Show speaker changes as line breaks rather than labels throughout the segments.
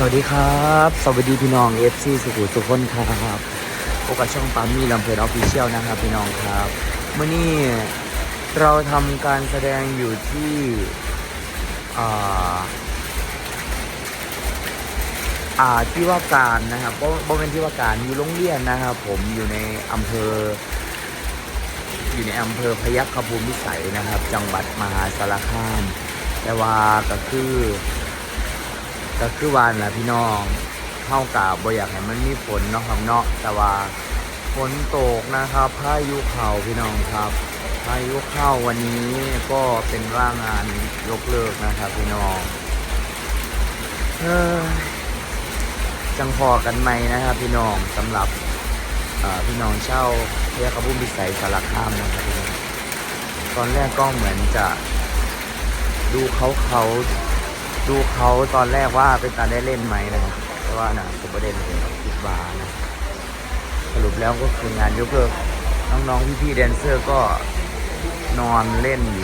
วัสดีครับสวัสดีพี่น้อง FC สุขุมทุกคนครับพบกับช่องปั๊มมี่ลำเพลินออฟฟิเชียลนะครับพี่น้องครับเมื่อนี้เราทำการแสดงอยู่ที่อ่าที่ว่าการนะครับบ่เป็นที่ว่าการอยู่โรงเรียนนะครับผมอยู่ในอำเภอพยัคฆภูมิวิสัยนะครับจังหวัดมหาสารคามแต่ว่าก็คือวันแหละพี่น้องเข้ากับบ่อยากให้มันมีฝนเนาะครับเนาะแต่ว่าฝนตกนะครับพายุเข้าพี่น้องครับพายุเข้าวันนี้ก็เป็นว่างานยกเลิกนะครับพี่น้องจังพอกันไหมนะครับพี่น้องสำหรับพี่น้องเช่าพยัคฆภูมิวิสัยสารคามนะครับพี่น้องตอนแรกก็เหมือนจะดูเขาตอนแรกว่าเป็นการได้เล่นไหมนะครับแต่ว่านะผมประเด็นเป็นคิดว่านะสรุปแล้วก็คืองานยกเลิกน้องๆพี่ๆแดนเซอร์ก็นอนเล่นอยู่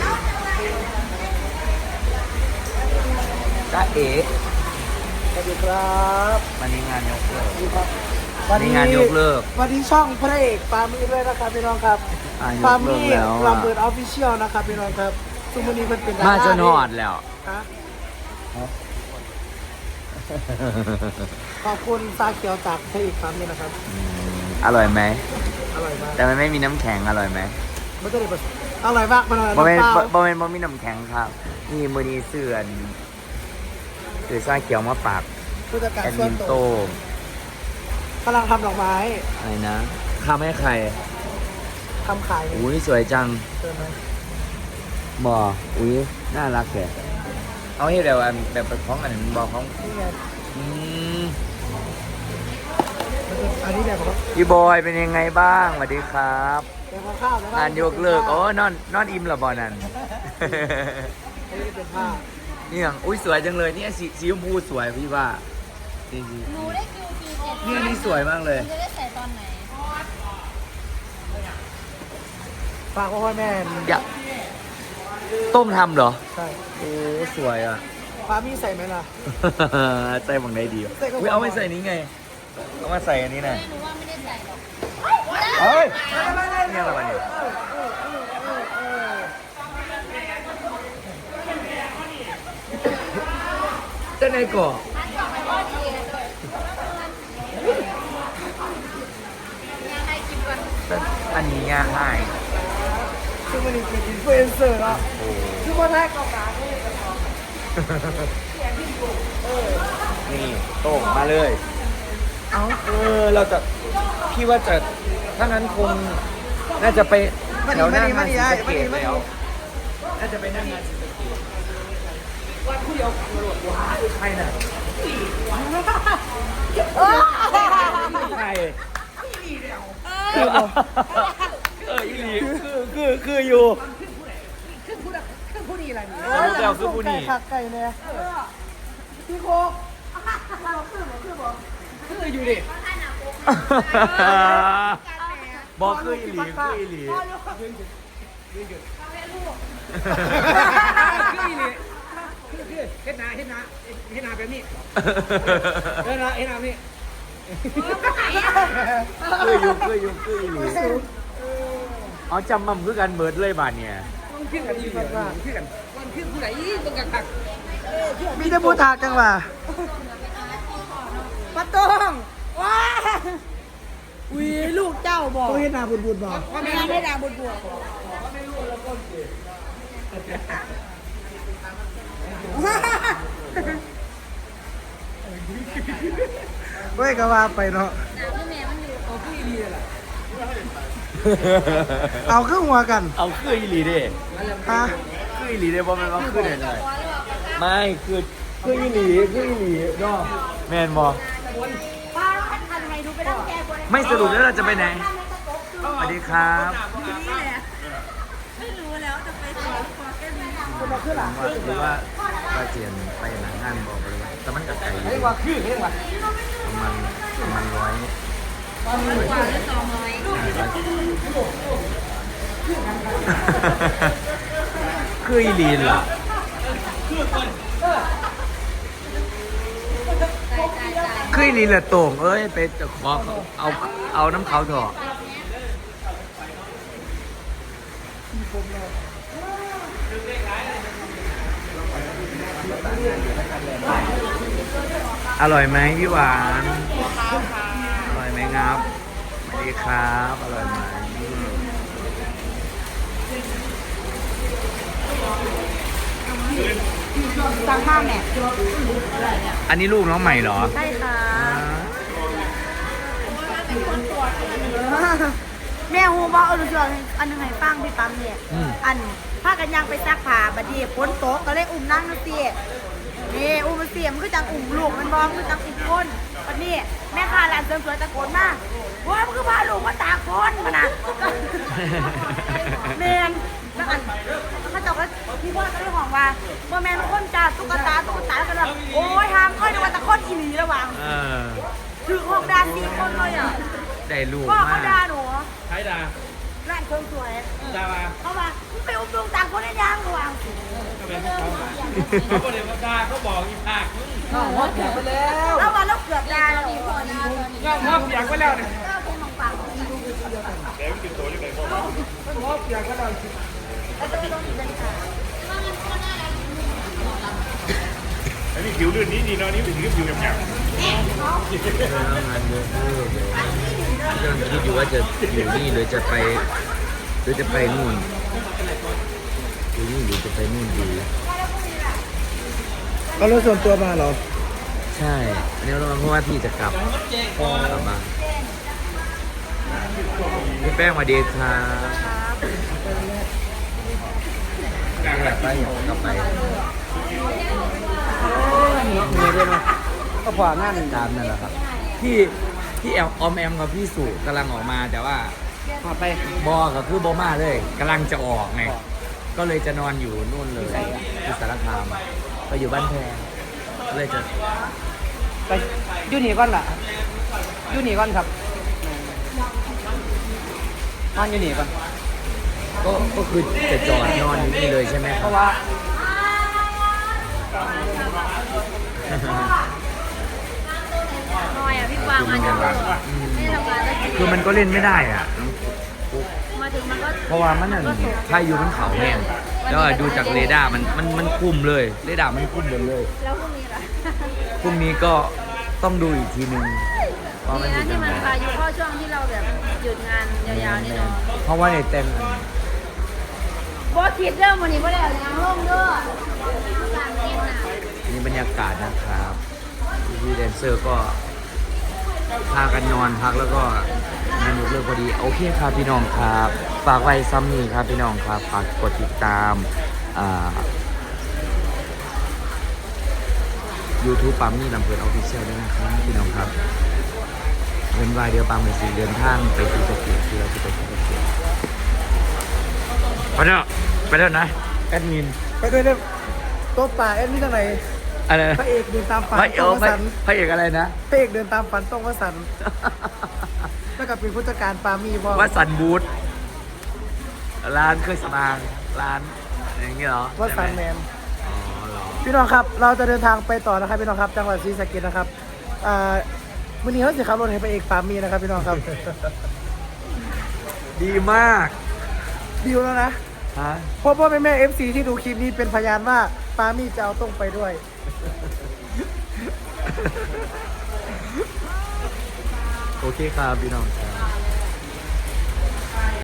จ้าเอ๋
สวัสดีครับ
วันนี้งานยกเลิก
วันนี้
งานยกเลิก
วันนี้ช่องพระเอกปามี่ด้วยนะครับพี่น้องครับปามี่ลำเบิดออฟฟิเชียลนะครับพี่น้องครับซุมวันนี้มันเป็น
มาจนหอดแล้ว
ขอบคุณซาเกียวจากพระเอกปามี่นะครับ
อร่อยไหม
อร่อยมาก
แต่มันไม่มีน้ำแข็งอร่อยไหม
ไม่ได้แบบอร่อยมากมันอร่อย
บ่
มาก
ไม่มีน้ำแข็งครับนี่มือนี้เสื่อซาเขียวมาปาก
ผู้จัดการ
แอด
ส่ว
มิ
น
น
ตั
โต
วกำลังทำดอกไม้
อะไรนะทำให้ใคร
ทำขาย
อุ้ยสวยจัง
เจอไหม
บ่อุ้ยน่ารักแกเอาให้เดี๋ยวแบบของอันนี้บอกของ
อันนี้แบบว่า
พี่บอยเป็นยังไงบ้างสวัสดีครับ
เป็นข้าว
งานยกเลิกโอ้นอนอิ่มเหรอบอนั่น
นี่เป็นผ้า
นี่อย่างอุ้ยสวยจังเลยนี่สีชมพูสวยพี่ว่านี่
หนูได้คิว7
นี่สวยมากเลย
จะได้ใส่ตอนไหน
ฝากพ่อแม่
อยากต้มทำเหรอ
ใช่
โอ้สวยอ่ะ
ปามี่ใส่ไหมล่ะ
ใส่บังได้ดีอุ้ยเอาไม่ใส่นี้ไงเอามาใส่อันนี้หน่อย
หนูว่าไม่ได้ใส่หรอก
เฮ้ยนี่อะไรเนี่ยเจ้าไหนก่ออันนี้ง่าย
คือมันเป็นอินฟลูเอนเซอร์แล้วคือว่าได้กองการ
นี่โต้งมาเลยเราจะพี่ว่าจะถ้างั้นคงน่าจะไปแถวหน้างานศรีสะเกษแล้วน่าจะไปนั่งงานศรีสะเกษวันผู้เดียวตำรวจว้าใครน่ะใครอีหลีคืออยู่
คือผู้ดีอะไรนี่
คือผู้ดี
ผักไก่เนี่ยพี่โคกคืออยู่ดิ
บอกคืออีหลีคืออีหลี
คือเฮ็ดนาแบบนี้เฮ็ดนานี่
คืออีหลีเอาจำมั่มคือกันเบิดเลยบาทเนี่ย
ขึ้นกันอีกว่าขึ้นกันวันขึ้นผู้ไหนต้องกักมีแต่ผู้ทาจังว่าปะตองว้าอุ้ยลูกเจ้าบอกต้องเฮ็ดนาบุญบอกว่าไม่ได้นาบุญเว้ยก็ว่าไปเนาะเอาเครื่องหัวกัน
เอาคืออีหลีดิ
ฮะ
คืออีหลีดิเพราะมันว่าคือไหนไม่คืออีหลีเนาะแมนบอไม่สรุปแล้วเราจะไปไหนสวัสดีครับ
ไม่รู้แล้วจะไปสวนคอแก้ม
หรือว่าเจียนไปหนังงานบอกเลยว่าแต่มันกับไก่อยู่ประมาณ100คืออีลีนเหรอ
ใส่
ขึ้นลีละโต่งเอ้ยไปขอเอาน้ำเขาเถอะอร่อยไหมพี่หวานอร่อยไหมครับสวัสดีครับอร่อยไหม
สั่งข้าวแม่
อันนี้ลูกน้องใหม่เหรอ
ใช่ค่ะแม่ฮูบอกดูสิอันหนึ่งให้ฟังพี่ปั๊มเนี่ยอันพากันยังไปซักผ้าบัดนี้ฝนตกก็เลยอุ้มนั่งนะเสียนี่อุ้มมันเสียมันคือจังอุ้มลูกมันมองคือจังอุ้มคนบัดนี้แม่ค้าร้านเสริมสวยตะโกนมาว่ามันคือพาลูกมาตากฝนมานะแมนแล้วอันเขาจะก็พี่พ่อก็ได้ห่วงว่าเมื่อแมนคนจ่าตุ๊กตาแล้วก็แบบโอ้ยห้ามค่อยดูว่าตะคนอีหลีระวังถือของดา4 คนเลยอ่ะ
ได้ลูก
พ่อ
มา
เขาด่าก หนู
ใครด่า
ร้านเสริมสวย
ด่ามา
เขาว่ามึงไปอุ้มลูกตากฝนได้ยังระวัง
ก็เป็นเขาเขาบอกเดี๋ยวด่าเขาบอกอีภาคมึง
น้องฮอตอยากไปแล้ว
แล้ววันแล้วเกือบด่าหนู
ย่องห้องอยากไว้แล้วเนี่ย
ก็คงมองปาก
ฮอตอยากไปแล้ว
แล้วจะไปลงอีกเป็นค่ะ
อันนี้ผิวลื่นนี้ดีเนาะนี่เป็นผิวหยาบ
งานเยอะกำลังคิดอยู่ว่าจะอยู่นี่หรือจะไปนู่นอยู่นี่หรือจะไปนู่นดี
เอารถส่วนตัวมาเหรอ
ใช่อันนี้เราเพราะว่าพี่จะกลับมาพี่แป้งมาดีครับอยากไปอยากกลับไป
มีด้วยนะก็ผ่างาน
ตามนั่นแหละครับพี่แอลออมแอมกับพี่สุกำลังออกมาแต่ว่า
ผ่าไป
บอก็คือบอมาเลยกำลังจะออกไงก็เลยจะนอนอยู่นู่นเลยที่สารคามไปอยู่บ้านแพงก็เลยจะ
ไปยูนี่ก่อนล่ะยูนี่ก่อนครับนอนยูนี่ก่อน
ก็คือจะจอดนอนอยู่นี่เลยใช่ไหม
เพ
ครับ
ราะว่า
น้อยอ่ะพี่กวางมาจากไม่ทำงานได้
คือมันก็เล่นไม่ได้อ่ะ
มาถึงมันก็
เพราะว่ามันถ้าอยู่มันเขาแห้งแล้วดูจากเรดาร์มันคุมเลยเรดาร์มันคุมหมดเลย
แล้วพรุ่งนี้ล่ะ
พรุ่งนี้ก็ต้องดูอีกทีนึงว่ามัน
ดี
อยู่
นะ
ยั
ที่
ง
มัน
ไง
พายุเข้าช่วงที่เราแบบหยุดงานยาวๆนี่เนาะ
เพราะว่าในเต็ม
บอสคิดเรื่องวันนี้บ่ได้เอายังลงเด้อการเต้นน่ะ
นี่บรรยากาศนะครับพี่แดนเซอร์ก็พากันนอนพักแล้วก็งานยกเลิกพอดีโอเคครับพี่น้องครับฝากไว้ซ้ำนี่ครับพี่น้องครับฝากกดติดตามYouTube ปั๊มนี่ลำเพลินออฟฟิเชียลด้วยนะครับพี่น้องครับเงินวายเดียวปั๊มเป็นสี่เดินทางไปที่สกีที่เราจะไปที่สกีไปแล้วนะแอดมิน
ไปด้วยเนี่ยโต๊ะป่าเอ็นนี่ทางไหน
อะไรนะ
พระเอกเดินตามฝัน
พระเอ
ต้
ก
องวสันต์
พระเอกอะไรนะ
พระเอกเดินตามฝันต้องวสันต์แล้วก็เป็นผู้จัดการปามีบอก
ว่าสันบูธร้านเคยสมางร้านอย่างเงี้ยเหรอ
ว่าสันแมน
อ๋อเหรอ
พี่น้องครับ เราจะเดินทางไปต่อนะครับพี่น้องครับ จังหวัดศรีสะเกษนะครับวันนี้เขาจะขับรถให้พระเอกปามีนะครับพี่น้องครับ
ดีมาก
ดิวแล้วนะ
ฮะ
เพราะว่าแม่เอฟซีที่ดูคลิปนี้เป็นพยานว่าปามีจะเอาต้องไปด้วย
โอเคครับพี่น้องครับ